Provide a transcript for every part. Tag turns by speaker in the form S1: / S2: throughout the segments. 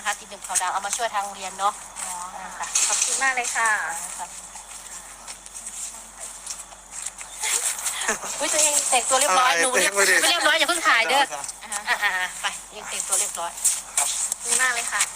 S1: นะคะติดหนึ่งขาวดำเอามาช่วยทางโรงเรียนเนาะค่ะ
S2: ขอบคุณมากเลยค่ะ
S1: อุ้ยตัวเองแต่งตัวเรียบร้อยหนูไม่เรียบร้อยอย่าเพิ่งถ่ายเด้อไปยังแต่งตัวเรียบร้อย
S2: ขอบคุณมากเลยค่ะ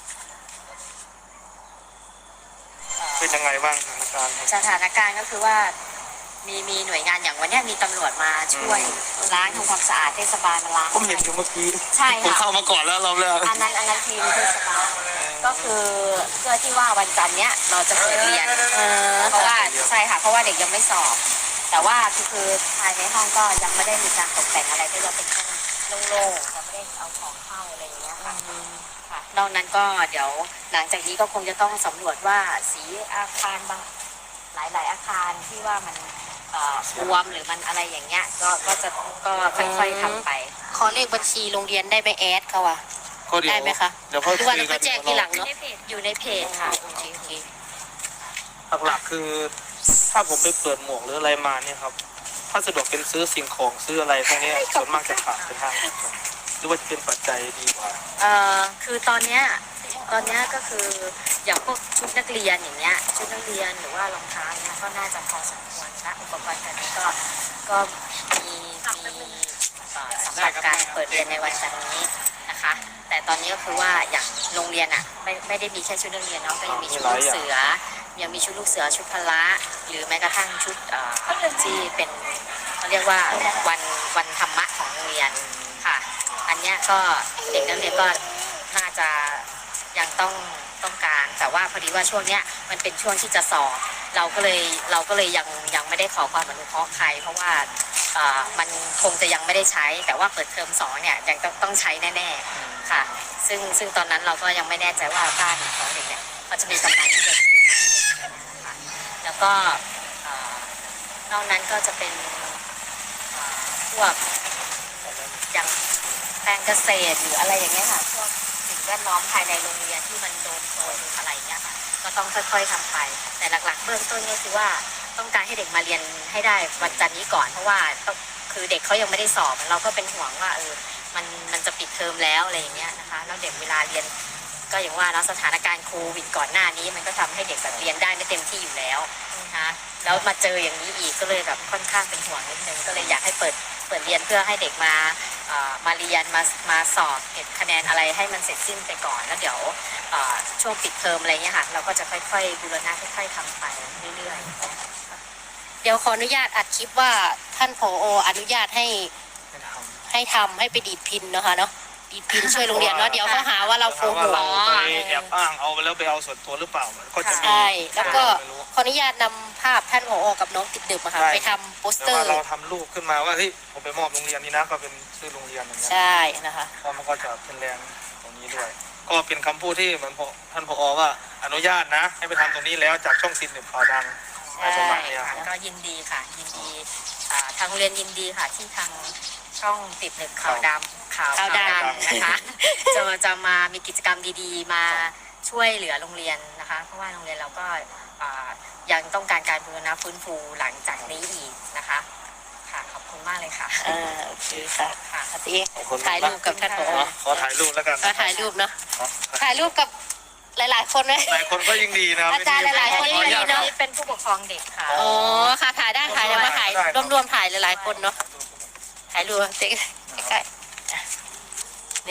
S3: เป็นยังไงบ้าง
S2: สถานการณ์ก็คือว่ามีหน่วยงานอย่างวันนี้มีตำรวจมาช่วยล้างทำความสะอาดเทศบาลมาล้าง
S3: ผมเห็นอยู่เมื่อกี้
S2: ใช่
S3: ผม
S2: ค่ะ
S3: เข้ามาก่อนแล้วรอบแรก
S2: อันนั้นทีมเทศบาลก็คือเพื่อที่ว่าวันจันทร์เนี้ยเราจะเปิดเรียนเพราะว่าใช่ค่ะเพราะว่าเด็กยังไม่สอบแต่ว่าคือภายในห้องก็ยังไม่ได้มีการตกแต่งอะไรก็ยังเป็นห้องโล่งๆยังไม่ได้เอาของเข้าอะไรอย่างเงี้ยค่ะนอกนั้นก็เดี๋ยวหลังจากนี้ก็คงจะต้องสำรวจว่าสีอาคารบางหลายๆอาคารที่ว่ามันรวมหรือมันอะไรอย่างเงี้ยก็ค่อยๆทำไป
S1: ขอเลขบัญชีโรงเรียนได้ไหมแอดเขาอะได้ไหมคะ
S3: เดี๋ยวเขา
S1: หรือว่าเราแจ้งทีหลังเนาะ
S2: อยู่ในเพจค่ะโอเค
S3: หลักๆคือถ้าผมไปเปิดหมวกหรืออะไรมาเนี่ยครับถ้าสะดวกเป็นซื้อสิ่งของซื้ออะไรพวกนี้ส่วนมากจะขาดไปทางหรือว่าจะเป็นปัจจัยดีกว่า
S2: คือตอนเนี้ยก็คืออย่างพวกชุดนักเรียนอย่างเงี้ยชุดนักเรียนหรือว่ารองเท้าเนี่ยก็น่าจะพอสมควรนะอุปกรณ์การเรียนก็มีสำหรับการเปิดเรียนในวันจันทร์นี้นะคะแต่ตอนนี้ก็คือว่าอย่างโรงเรียนอ่ะไม่ได้มีแค่ชุดนักเรียนเนาะก็ยังมีชุดลูกเสือยังมีชุดลูกเสือชุดพละหรือแม้กระทั่งชุดที่เป็นเขาเรียกว่าวันธรรมะของโรงเรียนค่ะอันเนี้ยก็เด็กนักเรียนก็น่าจะยังต้องการแต่ว่าพอดีว่าช่วงเนี้ยมันเป็นช่วงที่จะสอบเราก็เลยยังไม่ได้ขอความอนุเคราะห์ใครเพราะว่ามันคงจะยังไม่ได้ใช้แต่ว่าเปิดเทอม2เนี่ยยังต้องใช้แน่ๆค่ะซึ่งตอนนั้นเราก็ยังไม่แน่ใจว่าบ้านของเด็กเนี่ยเขาจะมีกำลังที่จะซื้อไหมแล้วก็นอกนั้นก็จะเป็นพวกอย่างแปลงเกษตรหรืออะไรอย่างเงี้ยค่ะพวกสิ่งแวดล้อมภายในโรงเรียนที่มันโดนโคลนอะไรเงี้ยค่ะก็ต้องค่อยๆทำไปแต่หลักๆเบื้องต้นก็คือว่าต้องการให้เด็กมาเรียนให้ได้วันจันทร์นี้ก่อนเพราะว่าคือเด็กเขายังไม่ได้สอบเราก็เป็นห่วงว่ามันจะปิดเทอมแล้วอะไรอย่างเงี้ยนะคะแล้วเด็กเวลาเรียนก็อย่างว่าสถานการณ์โควิดก่อนหน้านี้มันก็ทำให้เด็กแบบเรียนได้ไม่เต็มที่อยู่แล้วนะคะแล้วมาเจออย่างนี้อีกก็เลยแบบค่อนข้างเป็นห่วงนิดนึงก็เลยอยากให้เปิดเรียนเพื่อให้เด็กมาเรียนมาสอบเก็บคะแนนอะไรให้มันเสร็จสิ้นไปก่อนแล้วเดี๋ยวช่วงปิดเทอมอะไรเงี้ยค่ะเราก็จะค่อยๆบูรณะค่อยๆทำไปเรื่อย
S1: ๆเดี๋ยวขออนุญาตอัดคลิปว่าท่านผอ.อนุญาตให้ทำให้ไปดีดพินนะคะเนาะดีดพินช่วยโรงเรียนเนาะเดี๋ยวเขาหาว่าเราโกหก
S3: ไปแอบอ้างเอาไปแล้วไปเอาส่วนตัวหรือเปล่าก็จะมี
S1: ใช่แล้วก็ขออนุญาตนำภาพท่านผอ.กับน้องติดดึกมาค่ะไปทำโปสเตอร์
S3: เราทำรูปขึ้นมาว่าเฮ้ยผมไปมอบโรงเรียนนี้นะก็เป็นชื่อโรงเรียนอย่างเงี้ย
S1: ใช่นะคะ
S3: เพราะมันก็จะเป็นแรงตรงนี้ด้วยก็เป็นคำพูดที่มันท่านผอ.ว่าอนุญาตนะให้ไปทำตรงนี้แล้วจากช่องติดดึกข่าวดัง
S2: ใช่ก็ยินดีค่ะยินดีทางโรงเรียนยินดีค่ะที่ทางช่องติดดึกข่าวดังนะคะจะมามีกิจกรรมดีๆมาช่วยเหลือโรงเรียนนะคะเพราะว่าโรงเรียนเราก็ยังต้องการการบูรณะฟื้นฟูหลังจากนี้อีกนะคะค่ะขอบคุณมากเลยค่ะ
S1: โอเคค่ะค่ะตีถ่ายรูปกับท่านผอ.
S3: ขอถ่ายรูปแล้วกัน
S1: ถ่ายรูปเนาะถ่ายรูปกับหลายๆคนเลย
S3: หลายคนก็ยิ่งดีนะ
S1: อาจารย์หลายๆคนยิ่งดีเนาะ
S2: เป็นผู้ปกครองเด็กค่ะ
S1: อ๋อค่ะถ่ายได้ถ่ายแล้วมาถ่ายรวมๆถ่ายหลายๆคนเนาะถ่ายรูปใกล้ๆ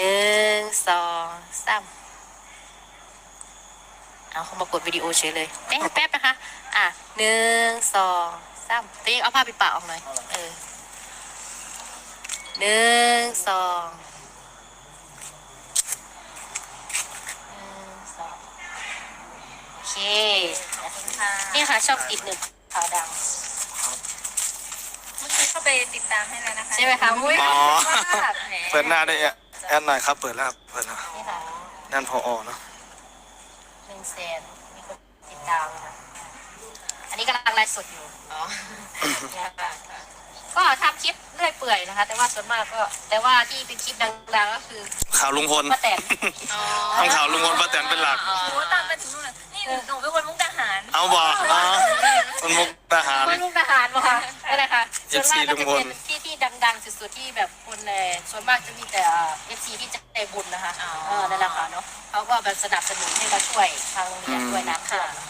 S1: 1 2 3เอาเขามากดวิดีโอเฉยเลยแป๊บนะคะ1 2 3ตัวเองเอาผ้าปิดปากออกหน่อย1 2โอเคนี่ค่ะชอบติดหนึ่งขาวดำ
S2: เมื่อกี้เข้าไปติดตามให้แล้วนะคะ
S1: ใช่ไหมคะมุ้ย
S3: เปิดหน้าได้แอนหน่อยครับเปิดแล้วเปิดแล้วนั่นผอ.เนาะ
S1: 100,000มีคนติดตามค่ะอันนี้กำลังไลฟ์สดอยู่ก็ทำคลิปเรื่อยเปื่อยนะคะแต่ว่าส่วนมากก็แต่ว่าที่เป็นคลิปดังๆก็คือ
S3: ข่าวลุงพล
S1: ป้าแตน
S3: ทำข่าวลุงพลป้าแตนเป็นหลัก
S2: โอ้ตามไปถึงนู่นเลยนี่หนูเป็นคนมุกดาหาร
S3: เอาบ่คนมุกดาหาร
S1: คนมุกดาหารบ่ค่ะอะไรคะส่วนมากก็จะเป็นที่ดังสุดๆที่แบบคนส่วนมากจะมีแต่FCที่ใจบุญนะคะนั่นแหละค่ะเนาะเขาก็แบบสนับสนุนให้มาช่วยทางโรงเรียนด้วยนะ
S2: ค่ะ
S1: ค่ะ